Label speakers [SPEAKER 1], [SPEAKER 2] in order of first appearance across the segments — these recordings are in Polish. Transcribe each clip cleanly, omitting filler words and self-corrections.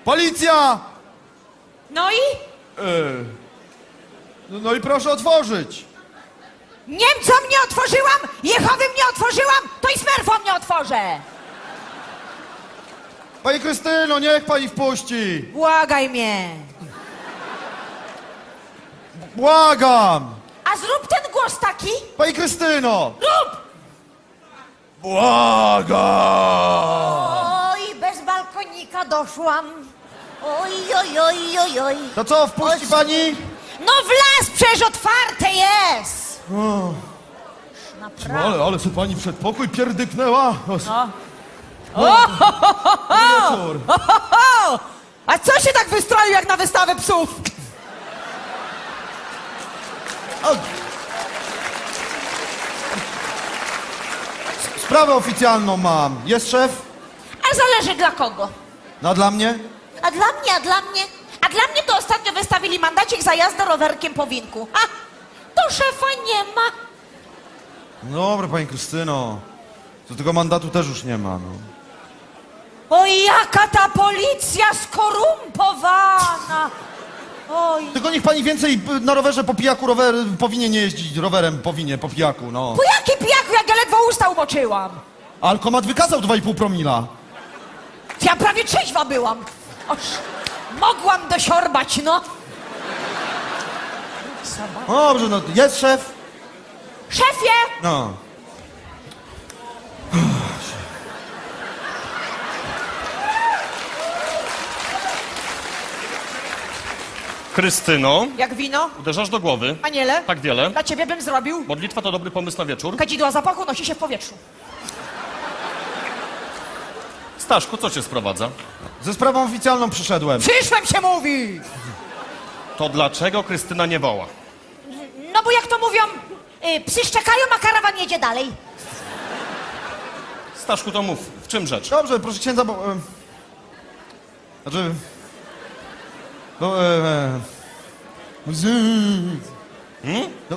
[SPEAKER 1] Policja!
[SPEAKER 2] No i?
[SPEAKER 1] No i proszę otworzyć.
[SPEAKER 2] Niemcom nie otworzyłam, Jehowym nie otworzyłam, to i Smurfom nie otworzę.
[SPEAKER 1] Pani Krystyno, niech pani wpuści.
[SPEAKER 2] Błagaj mnie.
[SPEAKER 1] Błagam.
[SPEAKER 2] A zrób ten głos taki.
[SPEAKER 1] Pani Krystyno.
[SPEAKER 2] Rób!
[SPEAKER 1] Błagam.
[SPEAKER 2] Oj, bez balkonika doszłam. Oj, oj, oj, oj, oj.
[SPEAKER 1] To co, wpuści pani?
[SPEAKER 2] No w las przecież otwarte jest. Naprawdę.
[SPEAKER 1] Ale sobie pani przedpokój pierdyknęła.
[SPEAKER 2] No.
[SPEAKER 1] Wieczór.
[SPEAKER 2] A co się tak wystroił jak na wystawę psów?
[SPEAKER 1] Sprawę oficjalną mam. Jest szef?
[SPEAKER 2] A zależy dla kogo.
[SPEAKER 1] No a dla mnie?
[SPEAKER 2] A dla mnie, a dla mnie? A dla mnie to ostatnio wystawili mandacik za jazdę rowerkiem po winku. A, to szefa nie ma.
[SPEAKER 1] No dobra, pani Krystyno. To tego mandatu też już nie ma, no.
[SPEAKER 2] Oj, jaka ta policja skorumpowana. Oj.
[SPEAKER 1] Tylko niech pani więcej na rowerze po pijaku powinien nie jeździć rowerem, po pijaku, no.
[SPEAKER 2] Po jakim pijaku, jak ja ledwo usta umoczyłam?
[SPEAKER 1] Alkomat wykazał 2,5 promila.
[SPEAKER 2] Ja prawie trzeźwa byłam. Oż, mogłam dosiorbać, no.
[SPEAKER 1] No dobrze, no jest szef?
[SPEAKER 2] Szefie!
[SPEAKER 1] No.
[SPEAKER 3] Krystyno,
[SPEAKER 2] Jak wino?
[SPEAKER 3] uderzasz do głowy.
[SPEAKER 2] Aniele?
[SPEAKER 3] Tak wiele.
[SPEAKER 2] Dla ciebie bym zrobił.
[SPEAKER 3] Modlitwa to dobry pomysł na wieczór.
[SPEAKER 2] Kadzidła zapachu nosi się w powietrzu.
[SPEAKER 3] Staszku, co cię sprowadza?
[SPEAKER 1] Ze sprawą oficjalną przyszedłem.
[SPEAKER 2] Przyszłem się mówi!
[SPEAKER 3] To dlaczego Krystyna nie woła?
[SPEAKER 2] No bo jak to mówią, psy szczekają, a karawan jedzie dalej.
[SPEAKER 3] Staszku, to mów, w czym rzecz?
[SPEAKER 1] Dobrze, proszę księdza, bo... Znaczy... No, no,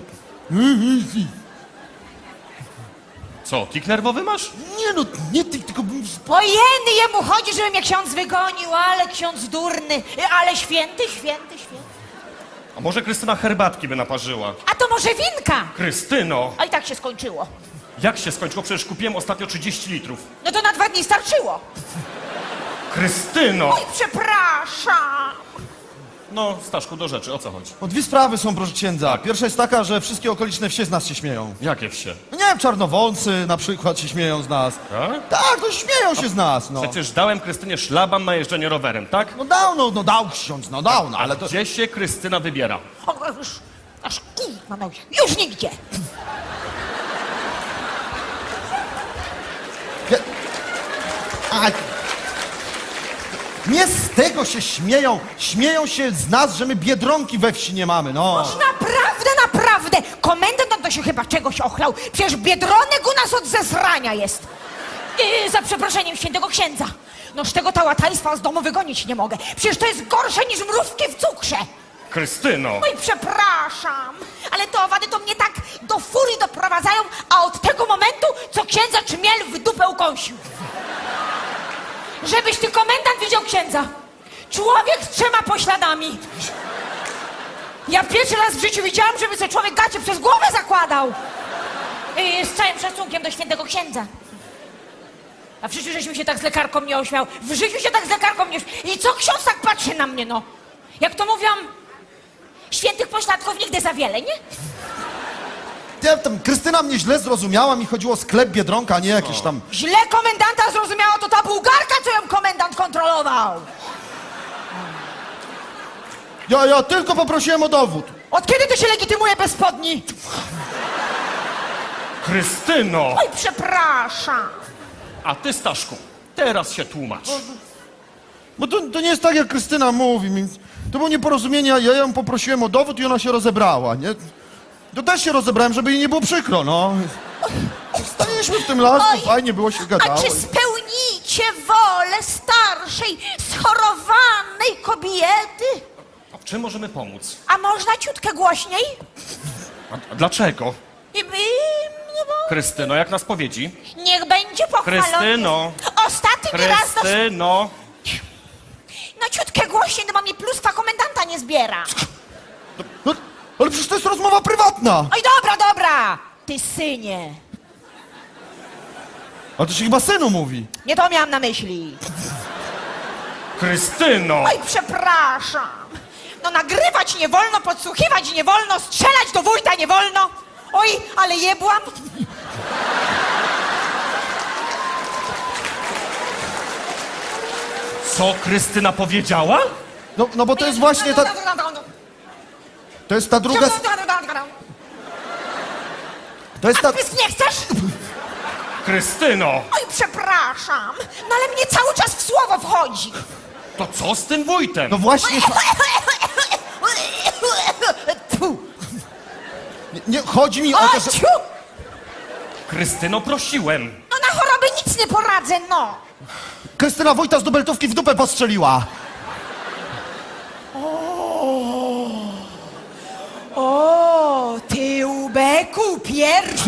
[SPEAKER 3] Co, tik nerwowy masz?
[SPEAKER 1] nie no, nie ty, tylko...
[SPEAKER 2] Ojeny, jemu chodzi, żeby mnie ksiądz wygonił, ale ksiądz durny, ale święty, święty, święty.
[SPEAKER 3] A może Krystyna herbatki by naparzyła?
[SPEAKER 2] A to może winka?
[SPEAKER 3] Krystyno!
[SPEAKER 2] A i tak się skończyło.
[SPEAKER 3] Jak się skończyło? Przecież kupiłem ostatnio 30 litrów.
[SPEAKER 2] No to na 2 dni starczyło.
[SPEAKER 3] Krystyno!
[SPEAKER 2] Oj, przepraszam.
[SPEAKER 3] No, Staszku, do rzeczy, o co chodzi?
[SPEAKER 1] O, dwie sprawy są, proszę księdza. Pierwsza jest taka, że wszystkie okoliczne wsie z nas się śmieją.
[SPEAKER 3] Jakie wsie?
[SPEAKER 1] No nie wiem, czarnowolcy na przykład się śmieją z nas.
[SPEAKER 3] Tak?
[SPEAKER 1] Tak, no śmieją się z nas, no.
[SPEAKER 3] Przecież dałem Krystynie szlaban na jeżdżenie rowerem, tak?
[SPEAKER 1] No dał ksiądz, no dał, no, ale to...
[SPEAKER 3] Gdzie się Krystyna wybiera?
[SPEAKER 2] O, już, aż kurwa, no już nigdzie.
[SPEAKER 1] A, nie z tego się śmieją. Śmieją się z nas, że my Biedronki we wsi nie mamy, no.
[SPEAKER 2] Oż naprawdę, naprawdę. Komendant to się chyba czegoś ochlał. Przecież Biedronek u nas od zesrania jest. Za przeproszeniem świętego księdza. Noż tego tałataństwa z domu wygonić nie mogę. Przecież to jest gorsze niż mrówki w cukrze.
[SPEAKER 3] Krystyno!
[SPEAKER 2] Oj, przepraszam, ale te owady to mnie tak do furii doprowadzają, a od tego momentu, co księdza czmiel w dupę ukąsił. Żebyś ty, komendant, widział księdza. Człowiek z 3 pośladami. Ja pierwszy raz w życiu widziałam, żeby sobie człowiek gacie przez głowę zakładał. Z całym szacunkiem do świętego księdza. A w życiu żeśmy się tak z lekarką nie ośmiał. W życiu się tak z lekarką nie ośmiał. I co ksiądz tak patrzy na mnie, no? Jak to mówią, świętych pośladków nigdy za wiele, nie?
[SPEAKER 1] Ja, tam Krystyna mnie źle zrozumiała, mi chodziło o sklep Biedronka, a nie jakieś tam...
[SPEAKER 2] Źle komendanta zrozumiała, to ta bułgarka, co ją komendant kontrolował.
[SPEAKER 1] Ja tylko poprosiłem o dowód.
[SPEAKER 2] Od kiedy to się legitymuje bez spodni?
[SPEAKER 3] Krystyno!
[SPEAKER 2] Oj, przepraszam.
[SPEAKER 3] A ty, Staszku, teraz się tłumacz.
[SPEAKER 1] Bo to nie jest tak, jak Krystyna mówi. To było nieporozumienie, ja ją poprosiłem o dowód i ona się rozebrała, nie? To też się rozebrałem, żeby jej nie było przykro, no. Staliśmy w tym lasku,
[SPEAKER 2] Oj,
[SPEAKER 1] fajnie było się gadało.
[SPEAKER 2] A czy spełnicie wolę starszej, schorowanej kobiety?
[SPEAKER 3] A w czym możemy pomóc?
[SPEAKER 2] A można ciutkę głośniej?
[SPEAKER 3] A dlaczego?
[SPEAKER 2] No bo
[SPEAKER 3] Krystyno, jak na spowiedzi?
[SPEAKER 2] niech będzie pochwalony.
[SPEAKER 3] Krystyno!
[SPEAKER 2] Ostatni raz...
[SPEAKER 3] Krystyno!
[SPEAKER 2] No ciut głośniej, to mnie pluskwa komendanta nie zbiera.
[SPEAKER 1] No, ale przecież to jest rozmowa prywatna.
[SPEAKER 2] Oj, dobra, ty synie.
[SPEAKER 1] A to się chyba synu mówi.
[SPEAKER 2] Nie to miałam na myśli.
[SPEAKER 3] Krystyno!
[SPEAKER 2] Oj, przepraszam. No nagrywać nie wolno, podsłuchiwać nie wolno, strzelać do wójta nie wolno. Oj, ale jebłam.
[SPEAKER 3] Co Krystyna powiedziała?
[SPEAKER 1] No bo to jest właśnie ta... To jest ta druga... To jest
[SPEAKER 2] A
[SPEAKER 1] ta...
[SPEAKER 2] ty nie chcesz?
[SPEAKER 3] Krystyno!
[SPEAKER 2] Oj, przepraszam. No ale mnie cały czas w słowo wchodzi.
[SPEAKER 3] To co z tym wójtem?
[SPEAKER 1] No właśnie...
[SPEAKER 2] Tfu.
[SPEAKER 1] Nie, chodzi mi o
[SPEAKER 2] O,
[SPEAKER 1] to, że...
[SPEAKER 2] ciu!
[SPEAKER 3] Krystyno, prosiłem.
[SPEAKER 2] No na choroby nic nie poradzę, no.
[SPEAKER 1] Krystyna wójta z dubeltówki w dupę postrzeliła.
[SPEAKER 2] O, ty ubeku pierwszy.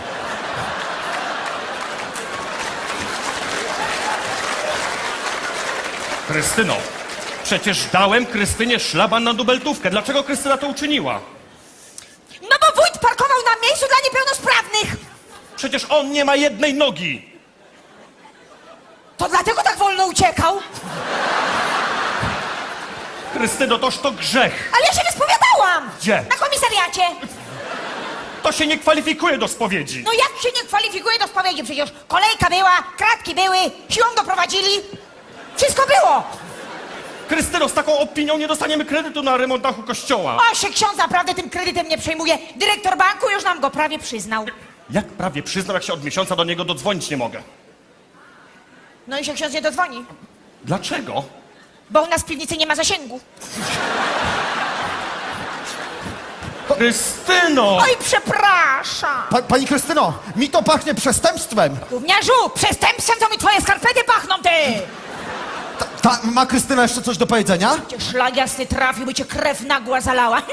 [SPEAKER 3] Krystyno, przecież dałem Krystynie szlaban na dubeltówkę. Dlaczego Krystyna to uczyniła?
[SPEAKER 2] No bo wójt parkował na miejscu dla niepełnosprawnych.
[SPEAKER 3] Przecież on nie ma jednej nogi.
[SPEAKER 2] To dlatego tak wolno uciekał.
[SPEAKER 3] Krystyno, toż to grzech.
[SPEAKER 2] Ale ja się wyspowiadałam.
[SPEAKER 3] Gdzie?
[SPEAKER 2] Na komisariacie.
[SPEAKER 3] To się nie kwalifikuje do spowiedzi.
[SPEAKER 2] No jak się nie kwalifikuje do spowiedzi? Przecież kolejka była, kratki były, siłą doprowadzili. Wszystko było.
[SPEAKER 3] Krystyno, z taką opinią nie dostaniemy kredytu na remont dachu kościoła.
[SPEAKER 2] O, się ksiądz naprawdę tym kredytem nie przejmuje. Dyrektor banku już nam go prawie przyznał.
[SPEAKER 3] Jak prawie przyznał, jak się od miesiąca do niego dodzwonić nie mogę?
[SPEAKER 2] No i się ksiądz nie dodzwoni,
[SPEAKER 3] Dlaczego?
[SPEAKER 2] bo u nas w piwnicy nie ma zasięgu.
[SPEAKER 3] Krystyno!
[SPEAKER 2] Oj, przepraszam.
[SPEAKER 1] Pani Krystyno, mi to pachnie przestępstwem.
[SPEAKER 2] Gówniarzu, przestępstwem to mi twoje skarpety pachną, ty!
[SPEAKER 1] Ma Krystyna jeszcze coś do powiedzenia?
[SPEAKER 2] Cię szlag jasny trafił, by cię krew nagła zalała.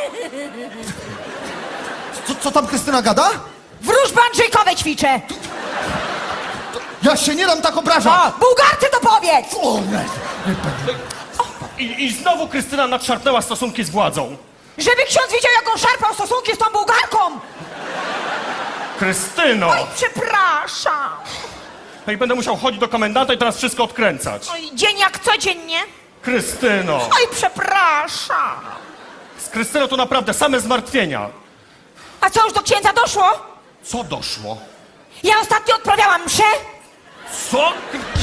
[SPEAKER 1] Co tam Krystyna gada?
[SPEAKER 2] Wróżby Andrzejkowe ćwiczę.
[SPEAKER 1] Ja się nie dam tak
[SPEAKER 2] O,
[SPEAKER 1] obrażać.
[SPEAKER 2] Bułgarce to powiedz!
[SPEAKER 1] O, nie.
[SPEAKER 3] I znowu Krystyna nadszarpnęła stosunki z władzą.
[SPEAKER 2] Żeby ksiądz wiedział, jak on szarpał stosunki z tą Bułgarką.
[SPEAKER 3] Krystyno!
[SPEAKER 2] Oj, przepraszam.
[SPEAKER 3] No i będę musiał chodzić do komendanta i teraz wszystko odkręcać.
[SPEAKER 2] Oj, dzień jak codziennie.
[SPEAKER 3] Krystyno!
[SPEAKER 2] Oj, przepraszam.
[SPEAKER 3] Z Krystyną to naprawdę same zmartwienia.
[SPEAKER 2] A co, już do księdza doszło?
[SPEAKER 3] Co doszło?
[SPEAKER 2] Ja ostatnio odprawiałam mszę.
[SPEAKER 3] Co?